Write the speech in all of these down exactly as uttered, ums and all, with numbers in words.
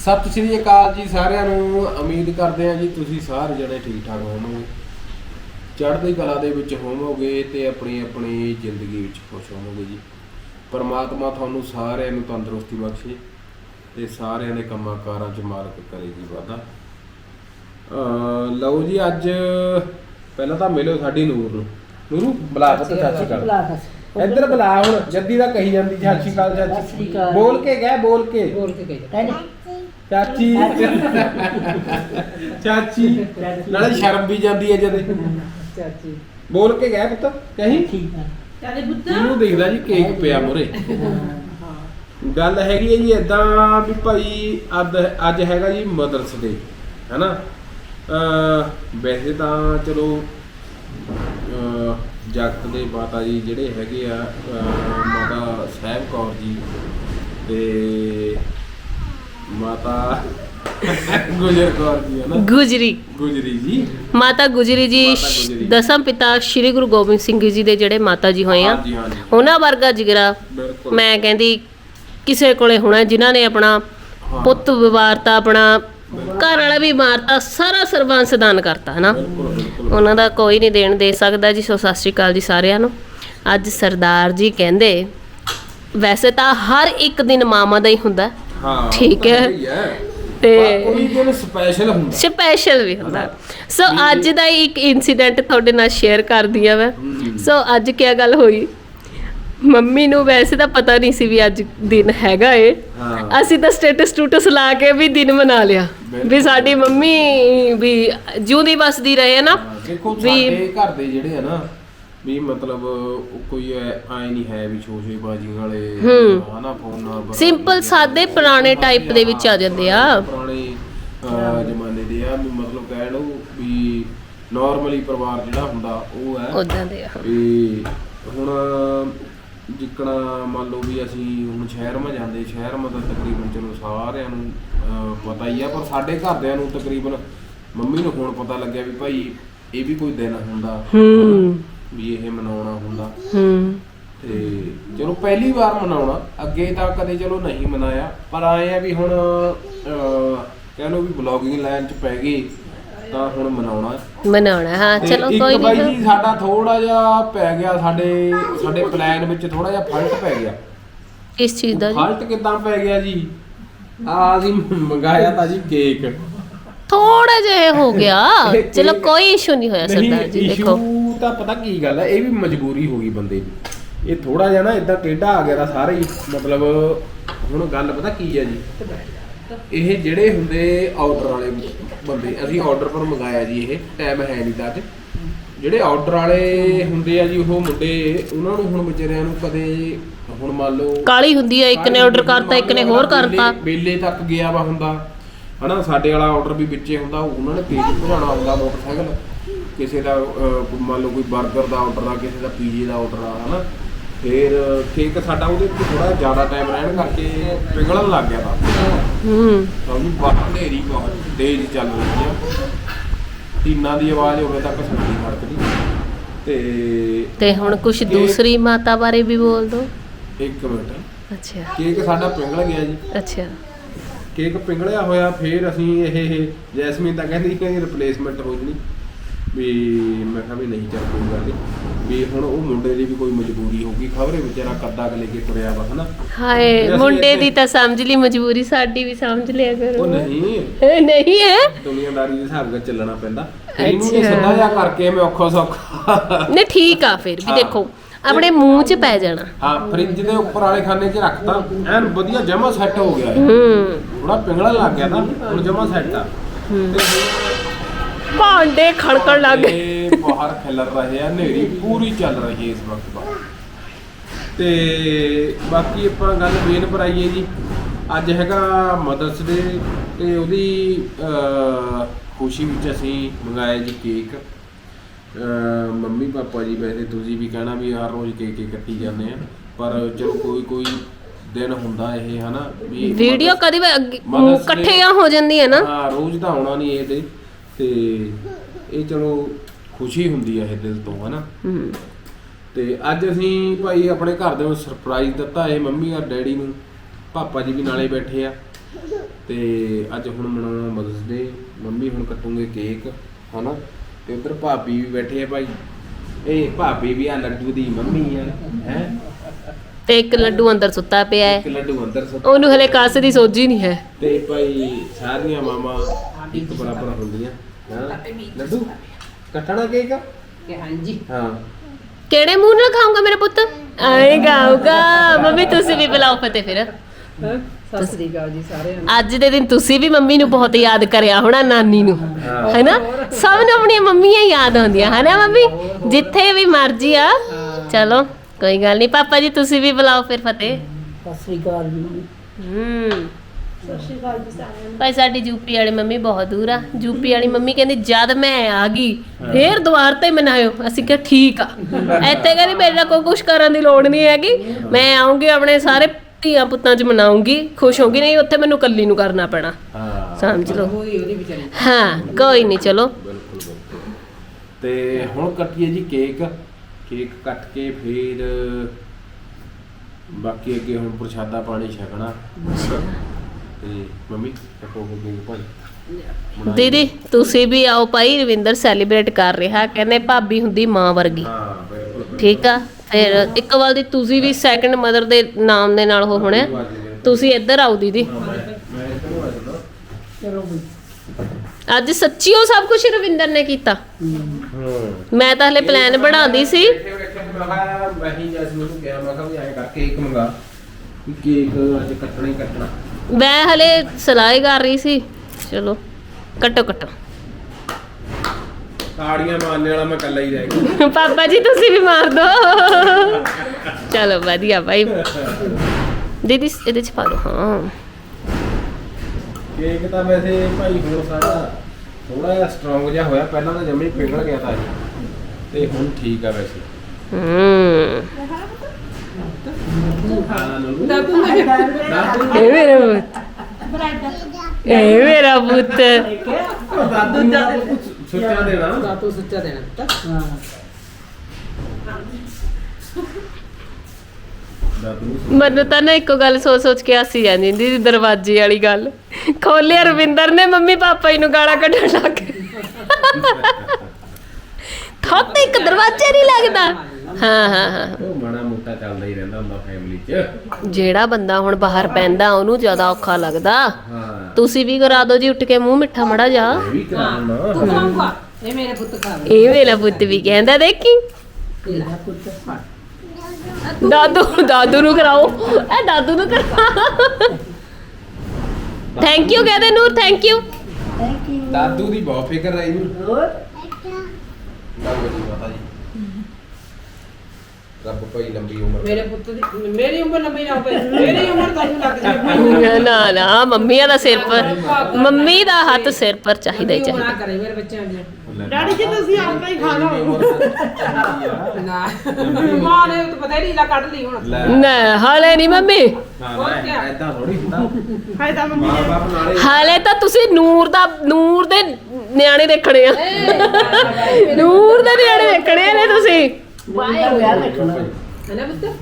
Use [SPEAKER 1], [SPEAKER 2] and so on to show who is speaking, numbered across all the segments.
[SPEAKER 1] ਸਤਿ ਸ਼੍ਰੀ ਅਕਾਲ ਜੀ ਸਾਰਿਆਂ ਨੂੰ। ਉਮੀਦ ਕਰਦੇ ਹਾਂ ਜੀ ਤੁਸੀਂ ਸਾਰੇ ਜਣੇ ਠੀਕ ਠਾਕ ਹੋਵੋਗੇ, ਚੜ੍ਹਦੀ ਕਲਾ ਦੇ ਵਿੱਚ ਹੋਵੋਗੇ ਤੇ ਆਪਣੀ ਆਪਣੀ ਜ਼ਿੰਦਗੀ ਵਿੱਚ ਖੁਸ਼ ਹੋਵੋਗੇ ਜੀ। ਪਰਮਾਤਮਾ ਤੁਹਾਨੂੰ ਸਾਰਿਆਂ ਨੂੰ ਤੰਦਰੁਸਤੀ ਬਖਸ਼ੇ ਤੇ ਸਾਰਿਆਂ ਦੇ ਕੰਮਾਂ ਕਾਰਾਂ 'ਚ ਮਾਲਕ ਕਰੇ ਜੀ ਵਾਧਾ। ਲਓ ਜੀ, ਅੱਜ ਪਹਿਲਾਂ ਤਾਂ ਮਿਲੋ ਸਾਡੀ ਨੂਰ ਨੂੰ। ਨੂਰੂ ਬੁਲਾ ਪੁੱਤ, ਸਤਿ ਸ਼੍ਰੀ ਅਕਾਲ। ਇੱਧਰ ਬੁਲਾ ਹੁਣ, ਜੱਦੀ ਦਾ ਕਹੀ ਜਾਂਦੀ ਸਤਿ ਸ਼੍ਰੀ ਅਕਾਲ। ਚਾਚੀ ਬੋਲ ਕੇ ਗਏ, ਬੋਲ ਕੇ
[SPEAKER 2] ਬੋਲ ਕੇ ਗਏ
[SPEAKER 1] ਚਾਚੀ ਚਾਚੀ ਨਾਲੇ ਸ਼ਰਮ ਵੀ ਜਾਂਦੀ ਹੈ ਜਦੇ।
[SPEAKER 2] ਚਾਚੀ
[SPEAKER 1] ਬੋਲ ਕੇ ਗਏ ਪੁੱਤ, ਕਹੀਂ
[SPEAKER 2] ਠੀਕ ਆ ਚਾਲੇ ਬੁੱਤ
[SPEAKER 1] ਇਹਨੂੰ ਦੇਖਦਾ ਜੀ ਕੇਕ ਪਿਆ ਮੂਹਰੇ। ਗੱਲ ਹੈਗੀ ਹੈ ਜੀ ਏਦਾਂ ਵੀ ਭਾਈ ਅੱਜ ਅੱਜ ਹੈਗਾ ਜੀ ਮਦਰਸ ਡੇ, ਹੈਨਾ। ਵੈਸੇ ਤਾਂ ਚਲੋ ਜਗਤ ਦੇ ਮਾਤਾ ਜੀ ਜਿਹੜੇ ਹੈਗੇ ਆ, ਮਾਤਾ ਸਾਹਿਬ ਕੌਰ ਜੀ ਤੇ ਮਾਤਾ ਗੁਜਰ ਕੌਰ ਜੀ, ਹੈ ਨਾ,
[SPEAKER 3] ਗੁਜਰੀ
[SPEAKER 1] ਗੁਜਰੀ ਜੀ,
[SPEAKER 3] ਮਾਤਾ ਗੁਜਰੀ ਜੀ
[SPEAKER 1] ਮਾਤਾ ਗੁਜਰੀ।
[SPEAKER 3] ਦਸਮ ਪਿਤਾ ਸ਼੍ਰੀ ਗੁਰੂ ਗੋਬਿੰਦ ਸਿੰਘ ਜੀ ਦੇ ਜਿਹੜੇ ਮਾਤਾ ਜੀ ਹੋਏ ਆ,
[SPEAKER 1] ਹਾਂਜੀ ਹਾਂਜੀ
[SPEAKER 3] ਉਹਨਾਂ ਵਰਗਾ ਜਿਗਰਾ
[SPEAKER 1] ਬਿਲਕੁਲ।
[SPEAKER 3] ਮੈਂ ਕਹਿੰਦੀ ਕਿਸੇ ਕੋਲੇ ਹੋਣਾ, ਜਿਨ੍ਹਾਂ ਨੇ ਆਪਣਾ ਪੁੱਤ ਵਿਵਾਰਤਾ, ਆਪਣਾ ਘਰ ਵਾਲਾ ਵੀ ਮਾਰਤਾ, ਸਾਰਾ ਸਰਬੰਸ ਦਾਨ ਕਰਤਾ, ਹਨਾ।
[SPEAKER 1] ਬਿਲਕੁਲ ਬਿਲਕੁਲ
[SPEAKER 3] ਉਹਨਾਂ ਦਾ ਕੋਈ ਨਹੀਂ ਦੇਣ ਦੇ ਸਕਦਾ ਜੀ। ਸੋ ਸਤਿ ਸ਼੍ਰੀ ਅਕਾਲ ਜੀ ਸਾਰਿਆਂ ਨੂੰ। ਅੱਜ ਸਰਦਾਰ ਜੀ ਕਹਿੰਦੇ ਵੈਸੇ ਤਾਂ ਹਰ ਇੱਕ ਦਿਨ ਮਾਮਾ ਦਾ ਹੀ ਹੁੰਦਾ,
[SPEAKER 1] ਹਾਂ
[SPEAKER 3] ਠੀਕ ਹੈ,
[SPEAKER 1] ਤੇ
[SPEAKER 3] ਤੇ
[SPEAKER 1] ਕੋਈ ਦਿਨ ਸਪੈਸ਼ਲ ਹੁੰਦਾ,
[SPEAKER 3] ਸਪੈਸ਼ਲ ਵੀ ਹੁੰਦਾ। ਸੋ ਅੱਜ ਦਾ ਇੱਕ ਇਨਸੀਡੈਂਟ ਤੁਹਾਡੇ ਨਾਲ ਸ਼ੇਅਰ ਕਰਦੀ ਆ ਮੈਂ। ਸੋ ਅੱਜ ਕੀ ਗੱਲ ਹੋਈ, ਮੰਮੀ ਨੂੰ ਵੈਸੇ ਤਾਂ ਪਤਾ ਨਹੀਂ ਸੀ ਵੀ ਅੱਜ ਦਿਨ ਹੈਗਾ ਏ।
[SPEAKER 1] ਹਾਂ।
[SPEAKER 3] ਅਸੀਂ ਤਾਂ ਸਟੇਟਸ ਸਟੂਟਸ ਲਾ ਕੇ ਵੀ ਦਿਨ ਮਨਾ ਲਿਆ ਵੀ ਸਾਡੀ ਮੰਮੀ ਵੀ ਜਿਉਂਦੀ ਬਸਦੀ ਰਹੇ ਨਾ।
[SPEAKER 1] ਦੇਖੋ
[SPEAKER 3] ਵੀ
[SPEAKER 1] ਸਾਡੇ ਘਰ ਦੇ ਜਿਹੜੇ ਆ ਨਾ, ਵੀ ਮਤਲਬ ਉਹ ਕੋਈ ਆਏ ਨਹੀਂ ਹੈ ਵੀ ਛੋਛੇ ਬਾਜੀ ਵਾਲੇ, ਹਨਾ, ਫੋਨ
[SPEAKER 3] ਸਿੰਪਲ ਸਾਦੇ ਪੁਰਾਣੇ ਟਾਈਪ ਦੇ ਵਿੱਚ ਆ ਜਾਂਦੇ ਆ,
[SPEAKER 1] ਪੁਰਾਣੇ ਜ਼ਮਾਨੇ ਦੇ ਆ। ਵੀ ਮਤਲਬ ਕਹਿ ਲਓ ਵੀ ਨਾਰਮਲੀ ਪਰਿਵਾਰ ਜਿਹੜਾ ਹੁੰਦਾ ਉਹ ਹੈ
[SPEAKER 3] ਉਦਾਂ ਦੇ ਆ।
[SPEAKER 1] ਵੀ ਹੁਣ ਜਿੱਕਣਾ ਮੰਨ ਲਓ ਵੀ ਅਸੀਂ ਹੁਣ ਸ਼ਹਿਰ ਮਾ ਜਾਂਦੇ, ਸ਼ਹਿਰ ਮਾ ਤਾਂ ਤਕਰੀਬਨ ਚਲੋ ਸਾਰਿਆਂ ਨੂੰ ਪਤਾ ਹੀ ਆ, ਪਰ ਸਾਡੇ ਘਰਦਿਆਂ ਨੂੰ ਤਕਰੀਬਨ ਮੰਮੀ ਨੂੰ ਹੁਣ ਪਤਾ ਲੱਗਿਆ ਵੀ ਭਾਈ ਇਹ ਵੀ ਕੋਈ ਦਿਨ ਹੁੰਦਾ ਵੀ ਇਹ ਮਨਾਉਣਾ ਹੁੰਦਾ।
[SPEAKER 3] ਹੂੰ
[SPEAKER 1] ਤੇ ਚਲੋ ਪਹਿਲੀ ਵਾਰ ਮਨਾਉਣਾ, ਅੱਗੇ ਤਾਂ ਕਦੇ ਚਲੋ ਨਹੀਂ ਮਨਾਇਆ, ਪਰ ਆਏ ਆ ਵੀ ਹੁਣ ਕਹਿ ਲਓ ਵੀ ਬਲੌਗਿੰਗ ਲਾਈਨ 'ਚ ਪੈ ਗਏ ਤਾਂ ਹੁਣ ਮਨਾਉਣਾ
[SPEAKER 3] ਮਨਾਉਣਾ। ਹਾਂ
[SPEAKER 1] ਤੇ
[SPEAKER 3] ਚਲੋ
[SPEAKER 1] ਇੱਕ
[SPEAKER 3] ਕੋਈ
[SPEAKER 1] ਬਾਈ
[SPEAKER 3] ਨਹੀਂ।
[SPEAKER 1] ਜੀ ਸਾਡਾ ਥੋੜਾ ਜਿਹਾ ਪੈ ਗਿਆ, ਸਾਡੇ ਸਾਡੇ ਪਲਾਨ ਵਿੱਚ ਥੋੜਾ ਜਿਹਾ ਫਾਲਟ ਪੈ ਗਿਆ।
[SPEAKER 3] ਕਿਸ ਚੀਜ਼ ਦਾ ਜੀ?
[SPEAKER 1] ਫਾਲਟ ਕਿੱਦਾਂ ਪੈ ਗਿਆ ਜੀ? ਆ ਅਸੀਂ ਮੰਗਾਇਆ ਤਾਂ ਜੀ ਕੇਕ,
[SPEAKER 3] ਥੋੜਾ ਜਿਹਾ ਹੋ ਗਿਆ, ਚਲੋ ਕੋਈ ਇਸ਼ੂ ਨਹੀਂ ਹੋਇਆ ਸਰਦਾਰ ਜੀ। ਦੇਖੋ
[SPEAKER 1] issue ਤਾਂ ਪਤਾ ਕੀ ਗੱਲ ਹੈ, ਇਹ ਵੀ ਮਜਬੂਰੀ ਹੋ ਗਈ ਬੰਦੇ ਦੀ। ਇਹ ਥੋੜਾ ਜਿਹਾ ਨਾ ਇਦਾਂ ਟੇਢਾ ਆ ਗਿਆ ਤਾਂ ਸਾਰੇ ਹੀ ਮਤਲਬ। ਹੁਣ ਗੱਲ ਪਤਾ ਕੀ ਹੈ ਜੀ, ਇਹ ਜਿਹੜੇ ਹੁੰਦੇ ਆਰਡਰ ਵਾਲੇ ਬੰਦੇ, ਅਸੀਂ ਆਰਡਰ ਪਰ ਮੰਗਾਇਆ ਜੀ, ਇਹ ਟਾਈਮ ਹੈ ਨਹੀਂ ਤਾਂ ਅੱਜ। ਜਿਹੜੇ ਆਰਡਰ ਵਾਲੇ ਹੁੰਦੇ ਆ ਜੀ ਉਹ ਮੁੰਡੇ, ਉਹਨਾਂ ਨੂੰ ਹੁਣ ਵਿਚਾਰਿਆਂ ਨੂੰ ਕਦੇ ਹੁਣ ਮੰਨ ਲਓ
[SPEAKER 3] ਕਾਲੀ ਹੁੰਦੀ ਹੈ, ਇੱਕ ਨੇ ਆਰਡਰ ਕਰਤਾ, ਇੱਕ ਨੇ ਹੋਰ ਕਰਤਾ,
[SPEAKER 1] ਵੇਲੇ ਤੱਕ ਗਿਆ ਵਾ ਹੁੰਦਾ, ਹਨਾ। ਸਾਡੇ ਵਾਲਾ ਆਰਡਰ ਵੀ ਵਿੱਚੇ ਹੁੰਦਾ, ਉਹਨਾਂ ਨੇ ਤੇਜ਼ ਭਜਾਉਣਾ ਹੁੰਦਾ ਮੋਟਰਸਾਈਕਲ, ਕਿਸੇ ਦਾ ਮੰਨ ਲਓ ਕੋਈ 버ਗਰ ਦਾ ਆਰਡਰ ਆ, ਕਿਸੇ ਦਾ ਪੀਜ਼ੇ ਦਾ ਆਰਡਰ ਆ, ਹਨਾ। ਫਿਰ ਕੇਕ ਸਾਡਾ ਉਹਦੇ ਵਿੱਚ ਥੋੜਾ ਜ਼ਿਆਦਾ ਟਾਈਮ ਰਹਿਣ ਕਰਕੇ ਪਿਘਲਣ ਲੱਗ ਗਿਆ ਵਾ।
[SPEAKER 3] ਹੂੰ
[SPEAKER 1] ਸਾਨੂੰ ਬਾਹਰ ਹਨੇਰੀ ਬਹੁਤ ਤੇਜ਼ ਚੱਲ ਰਹੀ ਆ, ਟੀਨਾਂ ਦੀ ਆਵਾਜ਼ ਹੋਵੇ ਤੱਕ ਸੁਣਦੀ ਖੜਕਦੀ। ਤੇ
[SPEAKER 3] ਤੇ ਹੁਣ ਕੁਝ ਦੂਸਰੀ ਮਾਤਾ ਬਾਰੇ ਵੀ ਬੋਲ ਦੋ।
[SPEAKER 1] ਇੱਕ ਮਿੰਟ,
[SPEAKER 3] ਅੱਛਾ
[SPEAKER 1] ਕੇਕ ਸਾਡਾ ਪਿਘਲ ਗਿਆ ਜੀ।
[SPEAKER 3] ਅੱਛਾ
[SPEAKER 1] ਕੇਕ ਪਿਘਲਿਆ ਹੋਇਆ, ਫਿਰ ਅਸੀਂ ਇਹ ਜੈਸਮੀਨ ਤਾਂ ਕਹਿੰਦੀ ਕਿ ਰਿਪਲੇਸਮੈਂਟ ਹੋ ਜਣੀ ਵੀ, ਮੈਂ ਕਿਹਾ ਵੀ ਨਹੀਂ ਚੱਲ ਕੋਈ ਗੱਲ ਨਹੀਂ ਵੀ। ਹੁਣ ਉਹ ਮੁੰਡੇ ਦੀ ਵੀ ਕੋਈ ਮਜਬੂਰੀ ਹੋਊਗੀ, ਖਬਰੇ ਵਿਚਾਰਾ ਕੱਦਾ ਕ ਲੈ ਕੇ ਤੁਰਿਆ ਵਾ, ਹਨਾ।
[SPEAKER 3] ਹਾਏ ਮੁੰਡੇ ਦੀ ਤਾਂ ਸਮਝ ਲਈ ਮਜਬੂਰੀ, ਸਾਡੀ ਵੀ ਸਮਝ ਲਿਆ ਕਰੋ।
[SPEAKER 1] ਉਹ ਨਹੀਂ
[SPEAKER 3] ਇਹ ਨਹੀਂ ਹੈ,
[SPEAKER 1] ਦੁਨੀਆਦਾਰੀ ਦੇ ਹਿਸਾਬ ਨਾਲ ਚੱਲਣਾ ਪੈਂਦਾ। ਇਹਨੂੰ ਵੀ ਸਿੱਧਾ ਜਿਹਾ ਕਰਕੇ ਮੈਂ ਔਖਾ ਸੌਖਾ
[SPEAKER 3] ਨਹੀਂ ਠੀਕ ਆ। ਫਿਰ ਵੀ ਦੇਖੋ ਆਪਣੇ ਮੂੰਹ 'ਚ ਪੈ ਜਾਣਾ।
[SPEAKER 1] ਹਾਂ, ਫ੍ਰਿਜ ਦੇ ਉੱਪਰ ਵਾਲੇ ਖਾਨੇ 'ਚ ਰੱਖਤਾ, ਐਨ ਵਧੀਆ ਜਮਾ ਸੈੱਟ ਹੋ ਗਿਆ।
[SPEAKER 3] ਹੂੰ
[SPEAKER 1] ਥੋੜਾ ਪਿੰਗਲਾ ਲੱਗ ਗਿਆ ਤਾਂ ਹੁਣ ਜਮਾ ਸੈੱਟ ਆ।
[SPEAKER 3] ਭਾਂਡੇ ਖੜਕਣ ਲੱਗ ਗਏ,
[SPEAKER 1] ਇਹ ਬਾਹਰ ਖਿਲਰ ਰਹੇ ਆ, ਹਨੇਰੀ ਪੂਰੀ ਚੱਲ ਰਹੀ ਹੈ ਇਸ ਵਕਤ ਬਾਹਰ। ਤੇ ਬਾਕੀ ਆਪਾਂ ਗੱਲ ਮੇਨ ਪਰ ਆਈਏ ਜੀ, ਅੱਜ ਹੈਗਾ ਮਦਰਸ ਡੇ ਤੇ ਉਹਦੀ ਖੁਸ਼ੀ ਵਿੱਚ ਅਸੀਂ ਮੰਗਾਇਆ ਜੀ ਕੇਕ। ਮੰਮੀ ਪਾਪਾ ਜੀ ਵੈਸੇ ਤੁਸੀਂ ਵੀ ਕਹਿਣਾ ਵੀ ਹਰ ਰੋਜ਼ ਕੇਕ ਹੀ ਕੱਟੀ ਜਾਂਦੇ ਆ, ਪਰ ਚਲੋ ਕੋਈ ਕੋਈ ਦਿਨ ਹੁੰਦਾ ਇਹ, ਹਨਾ, ਵੀ
[SPEAKER 3] ਵੀਡੀਓ ਕਦੀ ਇਕੱਠੀਆਂ ਹੋ ਜਾਂਦੀਆਂ ਨਾ।
[SPEAKER 1] ਹਾਂ, ਰੋਜ਼ ਤਾਂ ਆਉਣਾ ਨਹੀਂ ਇਹ ਤੇ ਤੇ ਇਹ ਚਲੋ ਖੁਸ਼ੀ ਹੁੰਦੀ ਹੈ ਇਹ ਦਿਲ ਤੋਂ, ਹਨਾ। ਤੇ ਅੱਜ ਅਸੀਂ ਭਾਈ ਆਪਣੇ ਘਰ ਦੇ ਨੂੰ ਸਰਪ੍ਰਾਈਜ਼ ਦਿੱਤਾ ਇਹ ਮੰਮੀ ਔਰ ਡੈਡੀ ਨੂੰ, ਪਾਪਾ ਜੀ ਵੀ ਨਾਲੇ ਬੈਠੇ ਆ। ਤੇ ਅੱਜ ਹੁਣ ਮਨਾਉਣਾ ਮਦਰਸ ਡੇ, ਮੰਮੀ ਹੁਣ ਕੱਟੂਗੇ ਕੇਕ ਹਨਾ, ਤੇ ਉਧਰ ਭਾਬੀ ਵੀ ਬੈਠੇ ਆ ਭਾਈ, ਇਹ ਭਾਬੀ ਵੀ ਆ ਲੱਡੂ ਦੀ ਮੰਮੀ ਆ ਹੈ,
[SPEAKER 3] ਤੇ ਇੱਕ ਲੱਡੂ ਅੰਦਰ ਸੁੱਤਾ ਪਿਆ
[SPEAKER 1] ਇੱਕ
[SPEAKER 3] ਹੈ,
[SPEAKER 1] ਲੱਡੂ ਅੰਦਰ ਸੁੱਤਾ,
[SPEAKER 3] ਉਹਨੂੰ ਹਲੇ ਕਾਸੇ ਦੀ ਸੋਝੀ ਨਹੀਂ ਹੈ।
[SPEAKER 1] ਤੇ ਭਾਈ ਸਾਰੀਆਂ ਮਾਮਾ ਇੱਕ ਬਰਾਬਰ ਹੁੰਦੀਆਂ ਹਾਂ। ਲੱਡੂ ਕੱਟਣਾ ਕੇਕ
[SPEAKER 2] ਕਿ ਹਾਂਜੀ
[SPEAKER 1] ਹਾਂ,
[SPEAKER 3] ਕਿਹੜੇ ਮੂੰਹ ਨਾਲ ਖਾਊਂਗਾ ਮੇਰਾ ਪੁੱਤ? ਆਏ ਖਾਊਗਾ। ਮੰਮੀ ਤੁਸੀਂ ਵੀ ਬੁਲਾਓ ਫਤਿਹ ਫਿਰ।
[SPEAKER 2] ਸਤਿ ਸ੍ਰੀ ਅਕਾਲ ਜੀ ਸਾਰਿਆਂ ਨੂੰ।
[SPEAKER 3] ਅੱਜ ਦੇ ਦਿਨ ਤੁਸੀਂ ਵੀ ਮੰਮੀ ਨੂੰ ਬਹੁਤ ਯਾਦ ਕਰਿਆ ਹੋਣਾ, ਨਾਨੀ ਨੂੰ ਹੈਨਾ, ਸਭ ਨੂੰ ਆਪਣੀਆਂ ਮੰਮੀਆਂ ਯਾਦ ਆਉਂਦੀਆਂ ਹੈਨਾ ਮੰਮੀ, ਜਿੱਥੇ ਵੀ ਮਰਜੀ ਆ। ਚਲੋ ਕੋਈ ਗੱਲ ਨਹੀਂ, ਪਾਪਾ ਜੀ ਤੁਸੀਂ ਵੀ ਬੁਲਾਓ ਫਿਰ ਫਤਿਹ।
[SPEAKER 2] ਸਤਿ ਸ੍ਰੀ ਅਕਾਲ ਜੀ।
[SPEAKER 3] ਹੂੰ ਭਾਈ ਸਾਡੀ ਯੂਪੀ ਵਾਲੀ ਮੰਮੀ ਬਹੁਤ ਦੂਰ ਆ। ਯੂਪੀ ਵਾਲੀ ਮੰਮੀ ਕਹਿੰਦੀ ਜਦ ਮੈਂ ਆ ਗਈ ਫੇਰ ਦੁਆਰ ਤੇ ਮਨਾਇਓ। ਅਸੀਂ ਕਿਹਾ ਠੀਕ ਆ। ਇੱਥੇ ਕਹਿੰਦੀ ਮੇਰੇ ਨਾਲ ਕੋਈ ਕੁਛ ਕਰਨ ਦੀ ਲੋੜ ਨਹੀਂ ਹੈਗੀ, ਮੈਂ ਆਉਂਗੀ ਆਪਣੇ ਸਾਰੇ ਧੀਆਂ ਪੁੱਤਾਂ 'ਚ ਮਨਾਉਂਗੀ, ਖੁਸ਼ ਹੋਊਗੀ, ਨਹੀਂ ਉੱਥੇ ਮੈਨੂੰ ਕੱਲੀ ਨੂੰ ਕਰਨਾ ਪੈਣਾ।
[SPEAKER 1] ਹਾਂ
[SPEAKER 3] ਸਮਝ ਲਓ।
[SPEAKER 2] ਉਹਦੀ ਉਹਦੀ ਵਿਚਾਰੀ
[SPEAKER 3] ਹਾਂ ਕੋਈ ਨਹੀਂ, ਚਲੋ
[SPEAKER 1] ਬਿਲਕੁਲ ਬਿਲਕੁਲ। ਤੇ ਹੁਣ ਕੱਟੀਏ ਜੀ ਕੇਕ, ਕੇਕ ਕੱਟ ਕੇ ਫਿਰ ਬਾਕੀ ਅੱਗੇ ਹੁਣ ਪ੍ਰਸ਼ਾਦਾ ਪਾਣੀ ਛਕਣਾ। ਤੇ ਮੰਮੀ ਚੱਕੋ ਹੋ ਗਈ ਭਾਈ।
[SPEAKER 3] ਦੀਦੀ ਤੁਸੀਂ ਵੀ ਆਓ ਭਾਈ, ਰਵਿੰਦਰ ਸੈਲੀਬ੍ਰੇਟ ਕਰ ਰਿਹਾ, ਕਹਿੰਦੇ ਭਾਬੀ ਹੁੰਦੀ ਮਾਂ ਵਰਗੀ।
[SPEAKER 1] ਹਾਂ ਬਿਲਕੁਲ
[SPEAKER 3] ਠੀਕ ਆ, ਫਿਰ ਇੱਕ ਵਾਰ ਦੀ ਤੁਸੀਂ ਵੀ ਸੈਕੰਡ ਮਦਰ ਦੇ ਨਾਮ ਦੇ ਨਾਲ ਉਹ ਹੋਣਾ, ਤੁਸੀਂ ਇੱਧਰ ਆਓ ਦੀਦੀ।
[SPEAKER 1] ਮੈਂ ਕਿਹਨੂੰ ਆ ਜਾਣਾ।
[SPEAKER 2] ਚਲੋ ਬਈ।
[SPEAKER 3] ਅੱਜ ਸੱਚੀ ਉਹ ਸਭ ਕੁਝ ਰਵਿੰਦਰ ਨੇ ਕੀਤਾ।
[SPEAKER 1] ਹਾਂ
[SPEAKER 3] ਮੈਂ ਤਾਂ ਹਲੇ ਪਲਾਨ ਬਣਾਉਂਦੀ ਸੀ।
[SPEAKER 1] ਬੈਠੇ ਬੈਠੇ ਮੈਂ ਕਿਹਾ ਮੈਂ ਹੀ ਜੈਸਮੀਨ ਨੂੰ ਕਿਹਾ, ਮੈਂ ਕਿਹਾ ਵੀ ਐਂ ਕਰ ਕੇਕ ਮੰਗਾ, ਵੀ ਕੇਕ ਅੱਜ ਕੱਟਣਾ ਹੀ ਕੱਟਣਾ।
[SPEAKER 3] ਮੈਂ ਹਲੇ ਸਲਾਹ ਹੀ ਕਰ ਰਹੀ ਸੀ। ਚਲੋ ਕੱਟੋ ਕੱਟੋ।
[SPEAKER 1] ਤਾੜੀਆਂ ਮਾਰਨੇ ਵਾਲਾ ਮੈਂ ਇਕੱਲਾ ਹੀ ਰਹਿ ਗਿਆ।
[SPEAKER 3] ਪਾਪਾ ਜੀ ਤੁਸੀਂ ਵੀ ਮਾਰ ਦੋ। ਚਲੋ ਵਧੀਆ ਭਾਈ। ਦੀਦੀ ਇਹਦੇ ਚ ਪਾ ਦੋ। ਹਾਂ
[SPEAKER 1] ਕੇਕ ਤਾਂ ਵੈਸੇ ਭਾਈ ਹੁਣ ਸਾਰਾ ਥੋੜਾ ਜਿਹਾ ਸਟਰੋਂਗ ਜਿਹਾ ਹੋਇਆ, ਪਹਿਲਾਂ ਤਾਂ ਜਮੇ ਹੀ ਪਿਘਲ ਗਿਆ ਤਾਂ ਇਹ, ਤੇ ਹੁਣ ਠੀਕ ਆ ਵੈਸੇ।
[SPEAKER 3] ਹੂੰ
[SPEAKER 1] ਹਾਂ ਨੰਨੂ
[SPEAKER 2] ਦਾਦੂ ਨੇ
[SPEAKER 1] ਦਾਦੂ
[SPEAKER 3] ਇਹ ਮੇਰਾ ਪੁੱਤ, ਇਹ ਮੇਰਾ ਪੁੱਤ।
[SPEAKER 1] ਦਾਦੂ ਨੂੰ ਸੁੱਚਾ ਦੇਣਾ।
[SPEAKER 2] ਦਾਦੂ ਸੱਚਾ ਦੇਣਾ ਪੁੱਤ। ਹਾਂ
[SPEAKER 1] ਦਾਦੂ ਨੂੰ
[SPEAKER 3] ਮੈਨੂੰ ਤਾਂ ਨਾ ਇੱਕੋ ਗੱਲ ਸੋਚ ਸੋਚ ਕੇ ਹੱਸੀ ਜਾਂਦੀ ਹੁੰਦੀ ਸੀ, ਦਰਵਾਜ਼ੇ ਵਾਲੀ ਗੱਲ ਖੋਲਿਆ ਰਵਿੰਦਰ ਨੇ, ਮੰਮੀ ਪਾਪਾ ਜੀ ਨੂੰ ਗਾਲਾਂ ਕੱਢਣ ਲੱਗ ਗਏ। ਥੋਤ ਇੱਕ ਦਰਵਾਜ਼ਾ ਨਹੀਂ ਲੱਗਦਾ। ਹਾਂ ਹਾਂ ਹਾਂ
[SPEAKER 1] ਉਹ ਮਾੜਾ ਮੋਟਾ ਚੱਲਦਾ ਹੀ ਰਹਿੰਦਾ ਹੁੰਦਾ ਫੈਮਿਲੀ 'ਚ।
[SPEAKER 3] ਜਿਹੜਾ ਬੰਦਾ ਹੁਣ ਬਾਹਰ ਪੈਂਦਾ ਉਹਨੂੰ ਜ਼ਿਆਦਾ ਔਖਾ ਲੱਗਦਾ।
[SPEAKER 1] ਹਾਂ
[SPEAKER 3] ਤੁਸੀਂ ਵੀ ਕਰਾ ਦਿਓ ਜੀ, ਉੱਠ ਕੇ ਮੂੰਹ ਮਿੱਠਾ ਮੜਾ ਜਾ।
[SPEAKER 1] ਇਹ ਵੀ ਕਰਾਉਣਾ।
[SPEAKER 2] ਤੂੰ ਖਾਊਂਗਾ, ਇਹ ਮੇਰੇ ਪੁੱਤ ਖਾਵੇ।
[SPEAKER 3] ਇਹ ਮੇਰਾ ਪੁੱਤ ਵੀ ਕਹਿੰਦਾ ਦੇਖੀ।
[SPEAKER 2] ਤੇਰਾ ਪੁੱਤ ਖਾ।
[SPEAKER 3] ਦਾਦੂ ਦਾਦੂ ਨੂੰ ਕਰਾਓ, ਇਹ ਦਾਦੂ ਨੂੰ ਕਰਾ। ਥੈਂਕ ਯੂ ਕਹਦੇ ਨੂਰ, ਥੈਂਕ ਯੂ।
[SPEAKER 1] ਦਾਦੂ ਦੀ ਬਹੁਤ ਫਿਕਰ ਰਹੀ ਨੂੰ।
[SPEAKER 2] ਹੋਰ
[SPEAKER 1] ਦਾਦੂ ਦੀ ਮਾਤਾ ਜੀ ਰੱਬ ਭਾਈ ਲੰਬੀ ਉਮਰ।
[SPEAKER 2] ਮੇਰੇ ਪੁੱਤ ਦੀ ਮੇਰੀ ਉਮਰ ਲੰਬੀ ਨਾ ਹੋਵੇ, ਮੇਰੀ ਉਮਰ ਤੁਹਾਨੂੰ ਲੱਗ ਜਾਵੇ।
[SPEAKER 3] ਨਾ ਨਾ ਮੰਮੀ ਦਾ ਸਿਰ ਪਰ, ਮੰਮੀ ਦਾ ਹੱਥ ਸਿਰ ਪਰ ਚਾਹੀਦਾ ਹੀ
[SPEAKER 2] ਨਾ
[SPEAKER 3] ਚਾਹੀਦਾ।
[SPEAKER 2] ਕਰੇ ਮੇਰੇ ਬੱਚਿਆਂ ਦੀ।
[SPEAKER 1] ਡੈਡੀ ਜੀ ਤੁਸੀਂ
[SPEAKER 2] ਆਪਣਾ ਹੀ ਖਾ ਲਓ। ਨਾ ਮਾਂ ਨੇ ਤਾਂ ਪਤਾ ਹੀ ਨਹੀਂ ਲਾ ਕੱਢ ਲਈ ਹੁਣ।
[SPEAKER 3] ਨਾ ਹਾਲੇ ਨਹੀਂ ਮੰਮੀ,
[SPEAKER 1] ਐਦਾਂ ਥੋੜੀ ਹੁੰਦਾ। ਹਾਏ ਤਾਂ ਮੰਮੀ ਬਾਪ ਨਾਲੇ
[SPEAKER 3] ਹਾਲੇ ਤਾਂ ਤੁਸੀਂ ਨੂਰ ਦਾ, ਨੂਰ ਦੇ ਨਿਆਣੇ ਦੇਖਣੇ ਆ। ਨੂਰ ਦੇ ਨਿਆਣੇ ਦੇਖਣੇ ਨੇ ਤੁਸੀਂ।
[SPEAKER 2] ਵਾਏ ਹੋਇਆ ਵੇਖਣਾ ਹੈ ਨਾ ਪੁੱਤ।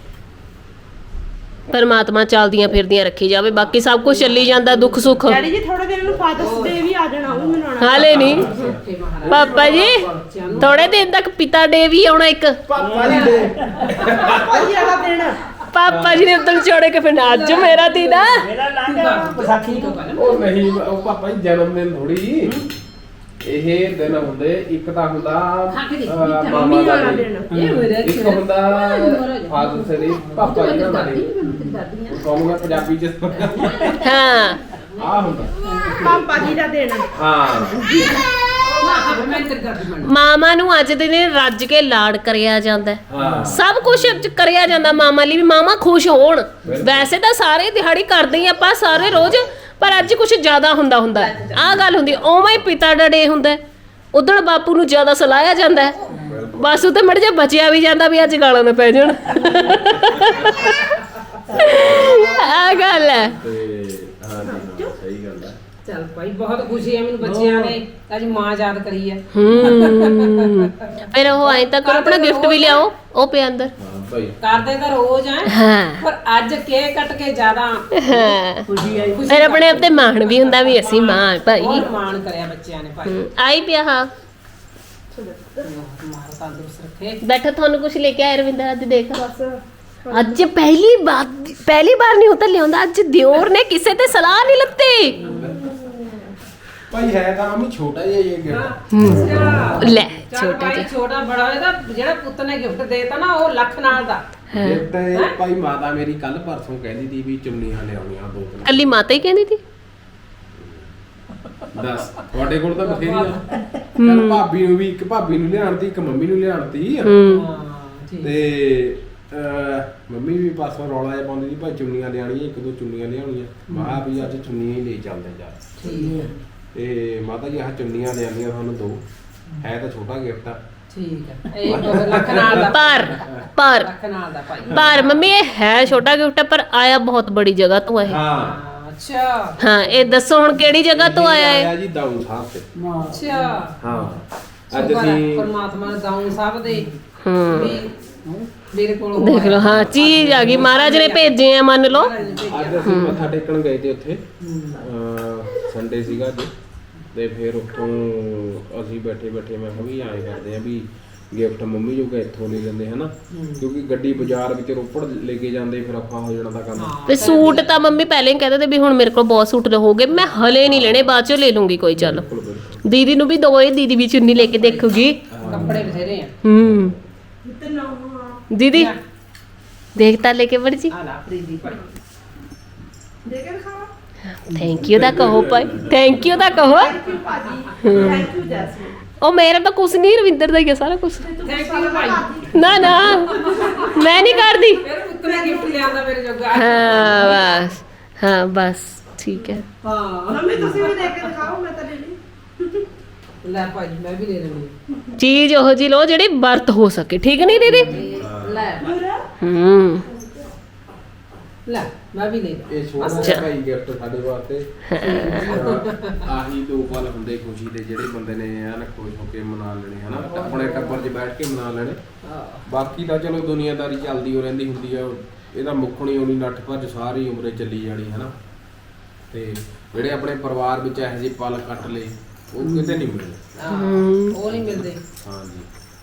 [SPEAKER 3] ਪਰਮਾਤਮਾ ਚੱਲਦੀਆਂ ਫਿਰਦੀਆਂ ਰੱਖੀ ਜਾਵੇ, ਬਾਕੀ ਸਭ ਕੁਝ ਚੱਲੀ ਜਾਂਦਾ, ਦੁੱਖ ਸੁੱਖ।
[SPEAKER 4] ਡੈਡੀ ਜੀ ਥੋੜੇ ਦਿਨ ਨੂੰ ਫਾਦਰਸ ਡੇ ਵੀ ਆ ਜਾਣਾ, ਉਹ ਵੀ ਮਨਾਉਣਾ।
[SPEAKER 3] ਹਾਲੇ ਨਹੀਂ ਪਾਪਾ ਜੀ, ਥੋੜੇ ਦਿਨ ਤੱਕ ਪਿਤਾ ਡੇ ਵੀ ਆਉਣਾ ਇੱਕ।
[SPEAKER 1] ਪਾਪਾ ਜੀ ਦੇ
[SPEAKER 4] ਪਾਪਾ ਜੀ ਵਾਲਾ ਦਿਨ।
[SPEAKER 3] ਪਾਪਾ ਜੀ ਨੇ ਉਦੋਂ ਛੋੜੇ ਕੇ ਫਿਰ ਅੱਜ ਮੇਰਾ ਦਿਨ ਆ।
[SPEAKER 2] ਵਿਸਾਖੀ ਤੋਂ ਪਹਿਲਾਂ
[SPEAKER 1] ਉਹ ਨਹੀਂ, ਉਹ ਪਾਪਾ ਜੀ ਜਨਮ ਦਿਨ ਥੋੜੀ ਇਹ ਦਿਨ ਹੁੰਦੇ। ਇੱਕ ਤਾਂ ਹੁੰਦਾ ਅਹ, ਮਾਮਾ ਦਾ
[SPEAKER 4] ਵਾਲਾ
[SPEAKER 1] ਦਿਨ,
[SPEAKER 4] ਦਿਨ।
[SPEAKER 2] ਇਹ ਮੇਰੇ
[SPEAKER 1] ਇੱਕ ਹੁੰਦਾ ਫਾਦਰ ਡੇ, ਪਾਪਾ ਜੀ ਦਾ ਦਿਨ। ਕਹੂੰਗਾ ਪੰਜਾਬੀ ਚ
[SPEAKER 3] ਹਾਂ
[SPEAKER 1] ਆ ਹੁੰਦਾ।
[SPEAKER 4] ਪਾਪਾ ਜੀ ਦਾ ਦਿਨ।
[SPEAKER 1] ਹਾਂ
[SPEAKER 2] ਮੈਂ ਤੇ ਦਾਦੀ ਬਣ।
[SPEAKER 3] ਮਾਮਾ ਨੂੰ ਅੱਜ ਦੇ ਦਿਨ ਰੱਜ ਕੇ ਲਾਡ ਕਰਿਆ ਜਾਂਦਾ ਹੈ।
[SPEAKER 1] ਹਾਂ
[SPEAKER 3] ਸਭ ਕੁਝ ਕਰਿਆ ਜਾਂਦਾ ਮਾਮਾ ਲਈ, ਵੀ ਮਾਮਾ ਖੁਸ਼ ਹੋਣ। ਵੈਸੇ ਤਾਂ ਸਾਰੇ ਦਿਹਾੜੀ ਕਰਦੇ ਹੀ ਆਪਾਂ ਸਾਰੇ ਰੋਜ਼, ਪਰ ਅੱਜ ਕੁਝ ਜ਼ਿਆਦਾ ਹੁੰਦਾ ਹੁੰਦਾ ਆਹ ਗੱਲ ਹੁੰਦੀ। ਉਵੇਂ ਹੀ ਪਿਤਾ ਦਾ ਡੇ ਹੁੰਦਾ, ਉਦੋਂ ਬਾਪੂ ਨੂੰ ਜ਼ਿਆਦਾ ਸਲਾਹਿਆ ਜਾਂਦਾ ਹੈ। ਬਸ ਉਹ ਤੇ ਮੜ ਜਾ ਬਚਿਆ ਵੀ ਜਾਂਦਾ ਵੀ ਅੱਜ ਗਾਲਾਂ ਨਾ ਪੈ ਜਾਣ। ਆਹ ਗੱਲ ਹੈ।
[SPEAKER 1] ਤੇ ਹਾਂ ਜੀ ਹਾਂ, ਸਹੀ ਗੱਲ ਹੈ।
[SPEAKER 2] ਚੱਲ ਭਾਈ ਬਹੁਤ ਖੁਸ਼ੀ ਹੈ ਮੈਨੂੰ ਬੱਚਿਆਂ ਨੇ ਅੱਜ ਮਾਂ ਯਾਦ ਕਰੀ ਹੈ।
[SPEAKER 3] ਹੂੰ ਫਿਰ ਉਹ ਆਏ ਤਾਂ ਕਰੋ, ਆਪਣਾ ਗਿਫਟ ਵੀ ਲਿਆਓ, ਉਹ ਪਿਆ ਅੰਦਰ।
[SPEAKER 1] ਹਾਂ ਭਾਈ
[SPEAKER 2] ਕਰਦੇ ਤਾਂ ਰੋਜ਼ ਆ
[SPEAKER 3] ਹਾਂ
[SPEAKER 2] ਪਰ ਅੱਜ ਕੇਕ ਕੱਟ ਕੇ ਜ਼ਿਆਦਾ
[SPEAKER 3] ਹਾਂ
[SPEAKER 5] ਖੁਸ਼ੀ ਆਈ
[SPEAKER 3] ਫਿਰ ਆਪਣੇ ਆਪ ਤੇ ਮਾਣ ਵੀ ਹੁੰਦਾ ਵੀ ਅਸੀਂ ਮਾਂ ਭਾਈ
[SPEAKER 2] ਬਹੁਤ ਮਾਣ ਕਰਿਆ ਬੱਚਿਆਂ ਨੇ ਭਾਈ
[SPEAKER 3] ਹਮ, ਆਈ ਪਿਆ ਹਾਂ
[SPEAKER 2] ਮਾਰ ਤੰਦਰੁਸਤ ਰੱਖੇ
[SPEAKER 3] ਬੈਠਾ ਤੁਹਾਨੂੰ ਕੁਝ ਲੈ ਕੇ ਆਏ ਰਵਿੰਦਰ ਅੱਜ ਦੇਖ ਅੱਜ ਪਹਿਲੀ ਬਾਰ ਪਹਿਲੀ ਬਾਰ ਨਹੀਂ ਹੁੰਦਾ ਲਿਆਉਂਦਾ ਅੱਜ ਦਿਓਰ ਨੇ ਕਿਸੇ ਤੇ ਸਲਾਹ ਨਹੀਂ ਲੱਤੀ
[SPEAKER 1] ਭਾਈ ਹੈ ਤਾਂ ਮੰਮੀ ਛੋਟਾ ਜਿਹਾ ਇਹ ਗਿਫਟ
[SPEAKER 2] ਅੱਛਾ
[SPEAKER 3] ਲੈ
[SPEAKER 2] ਚੱਲ
[SPEAKER 3] ਛੋਟਾ
[SPEAKER 2] ਭਾਈ
[SPEAKER 3] ਜਿਹਾ
[SPEAKER 2] ਛੋਟਾ ਬੜਾ ਇਹਦਾ ਜਿਹੜਾ ਪੁੱਤ ਨੇ ਗਿਫਟ ਦੇਤਾ ਨਾ ਉਹ ਲੱਖ ਨਾਲ ਦਾ
[SPEAKER 1] ਗਿਫਟ ਭਾਈ ਮਾਤਾ ਮੇਰੀ ਕੱਲ ਪਰਸੋਂ ਕਹਿੰਦੀ ਸੀ ਵੀ ਚੁੰਨੀਆਂ ਲਿਆਉਣੀਆਂ ਦੋ ਤਿੰਨ
[SPEAKER 3] ਕੱਲੀ ਮਾਤਾ ਹੀ ਕਹਿੰਦੀ ਸੀ
[SPEAKER 1] ਦੱਸ ਤੁਹਾਡੇ ਕੋਲ ਤਾਂ ਬਥੇਰੀ ਆ ਕੱਲ ਭਾਬੀ ਨੂੰ ਵੀ ਇੱਕ ਭਾਬੀ ਨੂੰ ਲਿਆਉਣ ਤੀ ਇੱਕ ਮੰਮੀ ਨੂੰ ਲਿਆਉਣ ਤੀ
[SPEAKER 3] ਹੂੰ
[SPEAKER 2] ਹਾਂ ਠੀਕ
[SPEAKER 1] ਤੇ ਅਹ, ਮੰਮੀ ਵੀ ਪਾਸੋਂ ਰੌਲਾ ਜਿਹਾ ਪਾਉਂਦੀ ਸੀ ਭਾਈ ਚੁੰਨੀਆਂ ਲਿਆਣੀਆਂ ਇੱਕ ਦੋ ਚੁੰਨੀਆਂ ਲਿਆਉਣੀਆਂ ਮਹਾ ਵੀ ਅੱਜ ਚੁੰਨੀਆਂ ਹੀ ਲੈ ਚੱਲਦੇ ਜਾ
[SPEAKER 2] ਠੀਕ ਹੈ
[SPEAKER 1] ਤੇ ਮਾਤਾ ਜੀ ਆਹ ਚੁੰਨੀਆਂ ਲਿਆਣੀਆਂ ਤੁਹਾਨੂੰ ਦੋ ਹੈ ਤਾਂ ਛੋਟਾ ਗਿਫਟ ਆ
[SPEAKER 2] ਠੀਕ ਹੈ ਇਹ ਦੋ ਲੱਖ ਨਾਲ ਦਾ
[SPEAKER 3] ਪਰ ਪਰ
[SPEAKER 2] ਲੱਖ ਨਾਲ ਦਾ ਭਾਈ
[SPEAKER 3] ਪਰ ਮੰਮੀ ਇਹ ਹੈ ਛੋਟਾ ਗਿਫਟ ਪਰ ਆਇਆ ਬਹੁਤ ਬੜੀ ਜਗ੍ਹਾ ਤੋਂ ਹੈ
[SPEAKER 1] ਹਾਂ
[SPEAKER 2] ਹਾਂ, ਅੱਛਾ
[SPEAKER 3] ਹਾਂ ਇਹ ਦੱਸੋ ਹੁਣ ਕਿਹੜੀ ਜਗ੍ਹਾ ਤੋਂ ਆਇਆ ਹੈ
[SPEAKER 1] ਆਇਆ ਜੀ ਦਾਊ ਸਾਹਿਬ ਤੇ
[SPEAKER 2] ਅੱਛਾ
[SPEAKER 1] ਹਾਂ ਅੱਜ
[SPEAKER 2] ਸ਼ੁਕਰ ਹੈ
[SPEAKER 1] ਅਸੀਂ
[SPEAKER 2] ਪਰਮਾਤਮਾ ਨੇ ਦਾਊਂ ਸਾਹਿਬ ਦੇ
[SPEAKER 3] ਹੂੰ
[SPEAKER 2] ਵੀ ਮੇਰੇ ਕੋਲ
[SPEAKER 3] ਦੇਖ ਲਓ ਹਾਂ ਚੀਜ਼ ਆ ਗਈ ਮਹਾਰਾਜ ਨੇ ਭੇਜੇ ਆ ਮੰਨ ਲਓ
[SPEAKER 1] ਅੱਜ ਅਸੀਂ ਮੱਥਾ ਟੇਕਣ ਗਏ ਤੇ ਉੱਥੇ ਸੰਡੇ ਸੀਗਾ ਅੱਜ ਤੇ ਫਿਰ ਉੱਥੋਂ ਅਸੀਂ ਬੈਠੇ ਬੈਠੇ ਮੈਂ ਕਿਹਾ ਵੀ ਐਂ ਕਰਦੇ ਆ ਵੀ ਗਿਫਟ ਮੰਮੀ ਜੋ ਕਿ ਇੱਥੋਂ ਲੈ ਲੈਂਦੇ ਹਨਾ ਕਿਉਂਕਿ ਗੱਡੀ ਬਾਜ਼ਾਰ ਵਿੱਚ ਰੋਪੜ ਲੈ ਕੇ ਜਾਂਦੇ ਫਿਰ ਔਖਾ ਹੋ ਜਾਣਾ ਤਾਂ ਕੰਮ
[SPEAKER 3] ਤੇ ਸੂਟ ਤਾਂ ਮੰਮੀ ਪਹਿਲੇ ਹੀ ਕਹਿੰਦੇ ਤੇ ਵੀ ਹੁਣ ਮੇਰੇ ਕੋਲ ਬਹੁਤ ਸੂਟ ਹੋ ਗਏ ਮੈਂ ਹਲੇ ਨਹੀਂ ਲੈਣੇ ਬਾਅਦ ਚ ਲੈ ਲੂੰਗੀ ਕੋਈ ਚੱਲ
[SPEAKER 1] ਬਿਲਕੁਲ ਬਿਲਕੁਲ
[SPEAKER 3] ਦੀਦੀ ਨੂੰ ਵੀ ਦੋ ਇਹ ਦੀਦੀ ਵੀ ਚੁੰਨੀ ਲੈ ਕੇ ਦੇਖੂਗੀ
[SPEAKER 2] ਕੱਪੜੇ ਬਥੇਰੇ ਆ
[SPEAKER 3] ਹੂੰ
[SPEAKER 4] ਤੇ ਨਾ
[SPEAKER 3] ਦੀਦੀ ਦੇਖਤਾ ਲੈ ਕੇ ਵੜ ਜੀ
[SPEAKER 2] ਆ ਲਾ ਫਰੀਦੀ ਭਾਈ
[SPEAKER 4] ਦੇ ਕੇ ਦਿਖਾਵਾ
[SPEAKER 3] ਥੈਂਕ ਯੂ ਦਾ ਕਹੋ ਭਾਈ ਥੈਂਕ ਯੂ ਦਾ ਕਹੋ
[SPEAKER 4] ਥੈਂਕ ਯੂ ਭਾਜੀ ਥੈਂਕ ਯੂ ਜੈਸਮੀਨ
[SPEAKER 3] ਉਹ ਮੇਰਾ ਤਾਂ ਕੁਛ ਨਹੀਂ ਰਵਿੰਦਰ ਦਾ ਹੀ ਆ ਸਾਰਾ ਕੁਛ
[SPEAKER 2] ਥੈਂਕ ਯੂ ਭਾਈ
[SPEAKER 3] ਨਾ ਨਾ ਮੈਂ ਨਹੀਂ ਕਰਦੀ
[SPEAKER 2] ਫਿਰ ਪੁੱਤ ਨੇ ਗਿਫਟ ਲਿਆਂਦਾ ਮੇਰੇ ਜੋਗਾ
[SPEAKER 3] ਹਾਂ ਬਸ ਹਾਂ ਬਸ ਠੀਕ ਹੈ
[SPEAKER 2] ਹਾਂ
[SPEAKER 4] ਮੰਮੀ ਤੁਸੀਂ ਵੀ ਦੇ ਕੇ ਦਿਖਾਓ ਮੈਂ ਤਾਂ ਲੈ ਲਈ
[SPEAKER 2] ਲੈ ਭਾਈ ਮੈਂ ਵੀ ਲੈ ਲੈਣੀ
[SPEAKER 3] ਚੀਜ਼ ਉਹ ਜੀ ਲੋ ਜਿਹੜੀ ਵਰਤ ਹੋ ਸਕੇ ਠੀਕ ਨਹੀਂ ਦੀਦੀ
[SPEAKER 2] ਲੈ
[SPEAKER 3] ਹੂੰ
[SPEAKER 2] ਲੈ ਮੈਂ ਵੀ ਲੈ ਲਾਂ
[SPEAKER 1] ਇਹ ਛੋਟਾ ਜਿਹਾ ਭਾਈ ਗਿਫਟ ਸਾਡੇ ਵਾਸਤੇ ਆਹੀ ਦੋ ਪਲ ਹੁੰਦੇ ਖੁਸ਼ੀ ਦੇ ਜਿਹੜੇ ਬੰਦੇ ਨੇ ਐਨ ਖੁਸ਼ ਹੋ ਕੇ ਮਨਾ ਲੈਣੇ ਹਨਾ ਆਪਣੇ ਟੱਬਰ 'ਚ ਬੈਠ ਕੇ ਮਨਾ ਲੈਣੇ ਬਾਕੀ ਤਾਂ ਚਲੋ ਦੁਨੀਆਦਾਰੀ ਚੱਲਦੀ ਹੋ ਰਹਿੰਦੀ ਹੁੰਦੀ ਆ ਇਹਦਾ ਮੁੱਖਣੀ ਹੋਣੀ ਨੱਠ ਭੱਜ ਸਾਰੀ ਉਮਰੇ ਚੱਲੀ ਜਾਣੀ ਹਨਾ ਤੇ ਜਿਹੜੇ ਆਪਣੇ ਪਰਿਵਾਰ ਵਿੱਚ ਇਹੋ ਜਿਹੇ ਪਲ ਕੱਟ ਲਏ ਉਹ ਕਿਤੇ ਨਹੀਂ ਮਿਲਦੇ
[SPEAKER 2] ਹਾਂ, ਉਹ ਨਹੀਂ ਮਿਲਦੇ
[SPEAKER 1] ਹਾਂਜੀ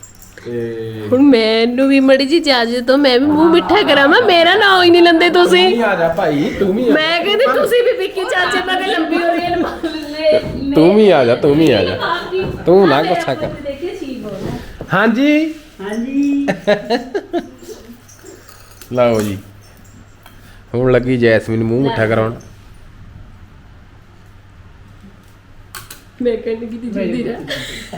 [SPEAKER 1] ਤੇ
[SPEAKER 3] ਹੁਣ ਮੈਨੂੰ ਵੀ ਮੜੀ ਜੀ ਇਜਾਜ਼ਤ ਦਿਓ ਮੈਂ ਵੀ ਮੂੰਹ ਮਿੱਠਾ ਕਰਾਵਾਂ ਮੇਰਾ ਨਾਂ ਹੀ ਨਹੀਂ ਲੰਦੇ
[SPEAKER 1] ਤੂੰ
[SPEAKER 3] ਤੁਸੀਂ
[SPEAKER 1] ਵੀ ਆ ਜਾ ਭਾਈ ਤੂੰ ਵੀ ਆ
[SPEAKER 3] ਮੈਂ ਕਹਿੰਦੀ ਤੁਸੀਂ ਵੀ ਵਿੱਕੀ ਚਾਚੇ ਨਾਲ ਤੇ ਲੰਬੀ ਹੋ ਰਹੀ ਹੈ
[SPEAKER 1] ਤੂੰ ਵੀ ਆ ਜਾ ਤੂੰ ਵੀ ਆ ਜਾ ਤੂੰ ਨਾ ਗੁੱਸਾ ਕਰ
[SPEAKER 3] ਦੇਖੇ ਸੀ ਬੋਲ
[SPEAKER 1] ਹਾਂਜੀ
[SPEAKER 5] ਹਾਂਜੀ
[SPEAKER 1] ਲਓ ਜੀ ਹੁਣ ਲੱਗੀ ਜੈਸਮੀਨ ਮੂੰਹ ਮਿੱਠਾ ਕਰਾਉਣ
[SPEAKER 3] ਮੈਂ ਕਹਿੰਦੀ ਕਿ ਜਲਦੀ ਰਹਿ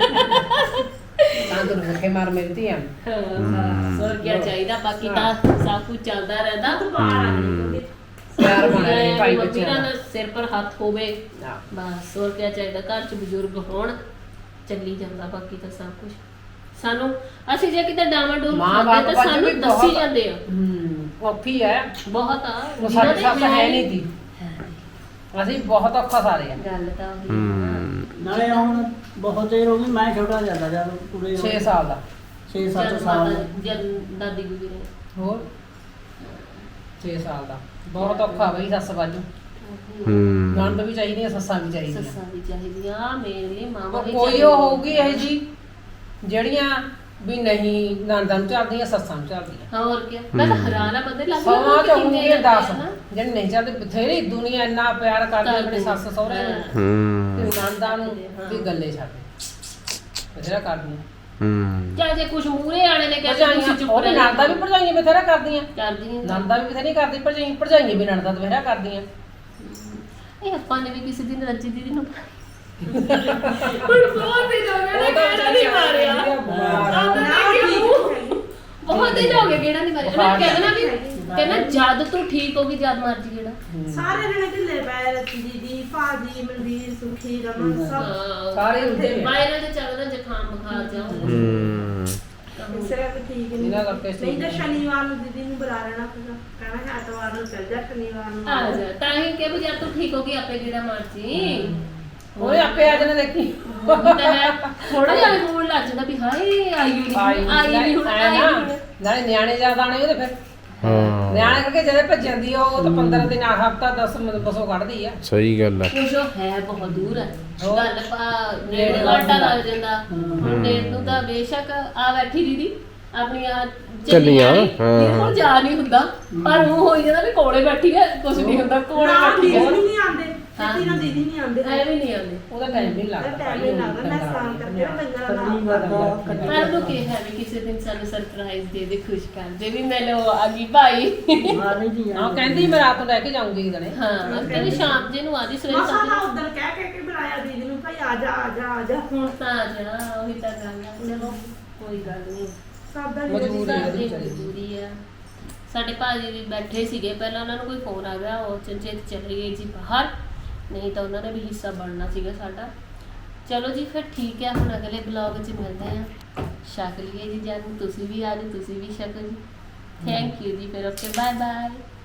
[SPEAKER 2] ਤਾਂ ਤੁਹਾਨੂੰ ਰੱਖੇ ਮਾਰ ਮੇਰੀ ਧੀਆਂ
[SPEAKER 3] ਹੋਰ ਕੀ ਚਾਹੀਦਾ ਬਾਕੀ ਤਾਂ ਸਭ ਕੁਝ ਚੱਲਦਾ ਰਹਿੰਦਾ
[SPEAKER 2] ਪਿਆਰ ਬਣਾ ਲਈ ਭਾਈ ਬੱਚਿਆਂ
[SPEAKER 3] ਬੱਚਿਆਂ
[SPEAKER 2] ਦਾ
[SPEAKER 3] ਦਾ ਸਿਰ ਪਰ ਹੱਥ ਹੋਵੇ
[SPEAKER 2] ਹਾਂ।
[SPEAKER 3] ਬਸ ਹੋਰ ਕੀ ਚਾਹੀਦਾ ਘਰ ਚ ਬਜ਼ੁਰਗ ਹੋਣ ਚੱਲੀ ਜਾਂਦਾ ਬਾਕੀ ਤਾਂ ਸਭ ਕੁਝ ਸਾਨੂੰ ਅਸੀਂ ਜੇ ਕਿਤੇ ਡਾਵਾਂ ਡੋਲ
[SPEAKER 2] ਮਾਂ
[SPEAKER 3] ਖਾਂਦੇ
[SPEAKER 2] ਬਾਪ
[SPEAKER 3] ਤਾਂ
[SPEAKER 2] ਅੱਜ
[SPEAKER 3] ਸਾਨੂੰ
[SPEAKER 2] ਵੀ
[SPEAKER 3] ਦੱਸੀ
[SPEAKER 2] ਬਹੁਤ-
[SPEAKER 3] ਜਾਂਦੇ ਆ
[SPEAKER 2] ਹੂੰ ਔਖੀ ਹੈ
[SPEAKER 3] ਬਹੁਤ ਆ
[SPEAKER 2] ਉਹ ਸਾਡੇ ਸੱਸ ਹੈ ਨਹੀਂ ਸੀ ਅਸੀਂ ਬਹੁਤ ਔਖਾ ਸਾਰੇ ਆ
[SPEAKER 3] ਗੱਲ ਤਾਂ ਉਹੀ ਆ ਨਾ।
[SPEAKER 5] ਨਾਲੇ ਹੁਣ ਬਹੁਤ ਦੇਰ ਹੋ ਗਈ ਮੈਂ ਛੋਟਾ ਜਾਂਦਾ ਜਦ ਪੂਰੇ
[SPEAKER 2] ਛੇ ਸਾਲ ਦਾ
[SPEAKER 5] ਛੇ
[SPEAKER 3] ਜਦ
[SPEAKER 5] ਸੱਤ ਸਾਲ
[SPEAKER 3] ਮਾਤਾ- ਜਦ ਦਾਦੀ ਗੁਜ਼ਰੇ
[SPEAKER 2] ਹੋਰ ਛੇ ਸਾਲ ਦਾ ਬਹੁਤ ਔਖਾ ਬਈ ਸੱਸ ਬਾਜੂ
[SPEAKER 1] ਹੂੰ
[SPEAKER 2] ਨਣਦ ਵੀ ਚਾਹੀਦੀਆਂ ਸੱਸਾਂ ਵੀ ਚਾਹੀਦੀਆਂ
[SPEAKER 3] ਸੱਸਾਂ ਵੀ ਚਾਹੀਦੀਆਂ ਮੇਰੇ ਲਈ ਮਾਵਾ
[SPEAKER 2] ਉਹ
[SPEAKER 3] ਵੀ
[SPEAKER 2] ਕੋਈ ਉਹ ਹੋਊਗੀ ਇਹ ਜੀ ਜਿਹੜੀਆਂ ਵੀ ਨਹੀਂ ਨਣਦਾਂ ਨੂੰ ਚੱਲਦੀਆਂ ਸੱਸਾਂ ਨੂੰ ਚੱਲਦੀਆਂ
[SPEAKER 3] ਹੋਰ ਕੀ ਮੈਂ ਤਾਂ ਹੈਰਾਨ ਆ ਬੰਦੇ ਲੱਗ
[SPEAKER 2] ਸਮਾਂ ਚ ਹੋਊਗੀ ਦਸ ਜਿਹੜੇ ਨਹੀਂ ਚੱਲਦੇ ਬਥੇਰੀ ਦੁਨੀਆ ਇੰਨਾ ਪਿਆਰ ਕਰਦੀ ਆਪਣੇ ਸੱਸ ਸਹੁਰੇ ਨੂੰ
[SPEAKER 1] ਹੂੰ
[SPEAKER 2] ਤੇ ਨਣਦਾਂ ਨੂੰ ਵੀ ਗੱਲੇ ਛੱਡ ਬਥੇਰਾ ਕਰਦੀਆਂ
[SPEAKER 1] ਹੂੰ
[SPEAKER 3] ਚਾਹੇ ਜੇ ਕੁਝ ਮੂਰੇ ਆਣੇ ਨੇ ਕਹਿੰਦੇ ਤੁਸੀਂ
[SPEAKER 2] ਭਰਜਾਈਆਂ
[SPEAKER 3] ਚੁੱਪ
[SPEAKER 2] ਉਹ
[SPEAKER 3] ਰਹਿ
[SPEAKER 2] ਨਣਦਾਂ ਵੀ ਭਰਜਾਈਆਂ ਬਥੇਰਾ ਕਰਦੀਆਂ
[SPEAKER 3] ਕਰਦੀਆਂ
[SPEAKER 2] ਨਣਦਾਂ ਵੀ ਬਥੇਰੀ ਕਰਦੀ ਭਰਜਾਈ ਭਰਜਾਈਆਂ ਵੀ ਨਣਦਾਂ ਬਥੇਰਾ ਕਰਦੀਆਂ
[SPEAKER 3] ਇਹ ਆਪਾਂ ਨੇ ਵੀ ਕਿਸੇ ਦਿਨ ਰੱਜੀ ਦੀਦੀ ਨੂੰ ਹੁਣ ਬਹੁਤ ਦਿਨ ਹੋ ਗਏ ਨਾ ਕਿਹੜਾ ਨਹੀਂ ਮਾਰਿਆ ਬਹੁਤ ਦਿਨ ਹੋ ਗਏ ਕਿਹੜਾ ਨਹੀਂ ਮਾਰਿਆ ਉਹਨਾਂ ਕਹਿੰਦਾ ਨਾ ਵੀ ਕਹਿੰਦਾ ਜਦ ਤੂੰ ਠੀਕ ਹੋਗੀ ਜਦ ਮਰਜੀ ਕਿਹੜਾ
[SPEAKER 4] ਸਾਰੇ ਜਣੇ ਢਿੱਲੇ ਪੈ ਰਤੀ ਦੀਦੀ ਭਾਜੀ ਮਨਵੀਰ ਸੁਖੀ ਰਮਨ ਸਭ
[SPEAKER 2] ਸਾਰੇ ਉੱਤੇ
[SPEAKER 3] ਵਾਇਰਲ ਤੇ ਚੱਲਦਾ ਜ਼ੁਕਾਮ ਬੁਖਾਰ ਜਾ
[SPEAKER 1] ਹੂੰ
[SPEAKER 4] ਇਸਰਾ ਵੀ ਠੀਕ ਨਹੀਂ
[SPEAKER 2] ਇਹਨਾਂ ਕਰਕੇ
[SPEAKER 4] ਨਹੀਂ ਤਾਂ ਸ਼ਨੀਵਾਰ ਨੂੰ ਦੀਦੀ ਨੂੰ ਬੁਲਾ ਲੈਣਾ ਪਊਗਾ ਕਹਿਣਾ ਹੈ ਐਤਵਾਰ ਨੂੰ ਚੱਲ ਜਾ ਸ਼ਨੀਵਾਰ ਨੂੰ
[SPEAKER 3] ਆ ਜਾ ਤਾਂ ਹੀ ਕਿ ਵੀ ਜਦ ਤੂੰ ਠੀਕ ਹੋਗੀ ਆਪੇ ਕਿਹੜਾ ਮਰਜੀ
[SPEAKER 2] ਉਹ ਆਪੇ ਆ ਜਾਣਾ ਦੇਖੀ
[SPEAKER 3] ਥੋੜਾ ਜਿਹਾ ਮੂਡ ਲੱਗ ਜਾਂਦਾ ਵੀ ਹਾਏ ਆਈ ਨਹੀਂ
[SPEAKER 2] ਆਈ
[SPEAKER 3] ਆਈ ਨਹੀਂ ਹੁਣ
[SPEAKER 2] ਐ
[SPEAKER 3] ਆਈ
[SPEAKER 2] ਨਾ
[SPEAKER 3] ਨਹੀਂ
[SPEAKER 2] ਨਾਲੇ ਨਿਆਣੇ ਜ਼ਿਆਦਾ ਆਣੇ ਉਹਦੇ ਫਿਰ
[SPEAKER 1] ਹਾਂ
[SPEAKER 2] ਨਿਆਣੇ ਕਰਕੇ ਜਿਹੜੇ ਭੱਜ ਜਾਂਦੀ ਆ ਉਹ ਤਾਂ ਪੰਦਰਾਂ ਦਿਨ ਆ ਹਫਤਾ ਦਸ ਬਸੋਂ ਕੱਢਦੀ ਆ
[SPEAKER 1] ਸਹੀ ਗੱਲ ਆ
[SPEAKER 3] ਕੁਝ ਹੈ ਬਹੁਤ ਦੂਰ ਹੈ
[SPEAKER 2] ਹੋਰ।
[SPEAKER 3] ਗੱਲ ਪਾ ਡੇਢ ਘੰਟਾ ਲੱਗ ਜਾਂਦਾ ਹੁਣ ਡੇਢ ਨੂੰ ਤਾਂ ਬੇਸ਼ੱਕ ਆ ਬੈਠੀ ਦੀਦੀ ਆਪਣੀਆਂ
[SPEAKER 1] ਚੱਲੀਆਂ,
[SPEAKER 3] ਹਾਂ
[SPEAKER 1] ਹਾਂ।
[SPEAKER 3] ਹੁਣ ਜਾ ਨਹੀਂ ਹੁੰਦਾ ਪਰ ਉਹ ਹੋਈ ਜਾਂਦਾ ਵੀ ਕੋਲੇ ਬੈਠੀ ਹੈ ਕੁਝ ਨਹੀਂ ਹੁੰਦਾ ਕੋਲੇ
[SPEAKER 4] ਨਾ
[SPEAKER 3] ਬੈਠੀ
[SPEAKER 4] ਦੀਦੀ
[SPEAKER 3] ਹੈ
[SPEAKER 4] ਨਹੀਂ ਆਉਂਦੇ ਛੇਤੀ ਨਾਲ ਦੀਦੀ ਨਹੀਂ ਆਉਂਦੇ
[SPEAKER 3] ਐਵੇਂ ਨਹੀਂ ਆਉਂਦੇ
[SPEAKER 2] ਉਹਦਾ ਟਾਈਮ ਨਹੀਂ ਲੱਗਦਾ
[SPEAKER 4] ਟਾਈਮ ਨਹੀਂ ਲੱਗਦਾ ਮੈਂ ਸਨਾਨ ਕਰਕੇ ਨਾ ਕੰਗਣਾ
[SPEAKER 5] ਕੱਢਣੀ
[SPEAKER 4] ਨਾਲ
[SPEAKER 5] ਵਾਰ
[SPEAKER 3] ਪਰ ਨੂੰ ਕਿਹਾ ਵੀ ਕਿਸੇ ਦਿਨ ਸਾਨੂੰ ਸਰਪ੍ਰਾਈਜ਼ ਦੇ ਦੇ ਖੁਸ਼ ਕਰ ਦੇ ਵੀ ਮੈਨੂੰ ਆ ਗਈ ਭਾਈ
[SPEAKER 5] ਮਾਰੀ ਦੀ
[SPEAKER 2] ਹਾਂ ਕਹਿੰਦੀ ਮੈਂ ਰਾਤ ਨੂੰ ਲੈ ਕੇ ਜਾਊਂਗੀ ਇਹਦਣੇ
[SPEAKER 3] ਹਾਂ ਕਹਿੰਦੇ ਸ਼ਾਮ ਜੇ ਨੂੰ ਆਦੀ ਸਵੇਰੇ
[SPEAKER 4] ਮਸਾ ਨਾ
[SPEAKER 3] ਸੱਤ
[SPEAKER 4] ਉਧਰ ਕਹਿ ਕਹਿ ਕੇ ਬੁਲਾਇਆ ਦੀਦੀ ਨੂੰ ਭਾਈ ਆ ਜਾ ਆ ਜਾ ਆ ਜਾ
[SPEAKER 3] ਹੁਣ ਤਾਂ ਆ ਜਾ ਉਹੀ ਤਾਂ ਗੱਲ ਆ ਚਲੋ ਕੋਈ ਗੱਲ ਨਹੀਂ
[SPEAKER 4] ਸਭ ਦਾ
[SPEAKER 2] ਮਜਬੂਰੀ ਆ।
[SPEAKER 3] ਸਾਡੀ ਮਜਬੂਰੀ ਆ ਸਾਡੇ ਭਾਜੀ ਵੀ ਬੈਠੇ ਸੀਗੇ ਪਹਿਲਾਂ ਉਹਨਾਂ ਨੂੰ ਕੋਈ ਫੋਨ ਆ ਗਿਆ ਉਹ ਚੰਚੇਤ ਚਲੇ ਗਏ ਜੀ ਬਾਹਰ ਨਹੀਂ ਤਾਂ ਉਹਨਾਂ ਨੇ ਵੀ ਹਿੱਸਾ ਬਣਨਾ ਸੀਗਾ ਸਾਡਾ ਚਲੋ ਜੀ ਫਿਰ ਠੀਕ ਹੈ ਹੁਣ ਅਗਲੇ ਬਲੌਗ 'ਚ ਮਿਲਦੇ ਆ ਛਕ ਲਈਏ ਜੀ ਜਾਨ ਤੁਸੀਂ ਵੀ ਆ ਜੀ ਤੁਸੀਂ ਵੀ ਛਕੋ ਜੀ ਥੈਂਕ ਯੂ ਜੀ ਫਿਰ ਓਕੇ ਬਾਏ ਬਾਏ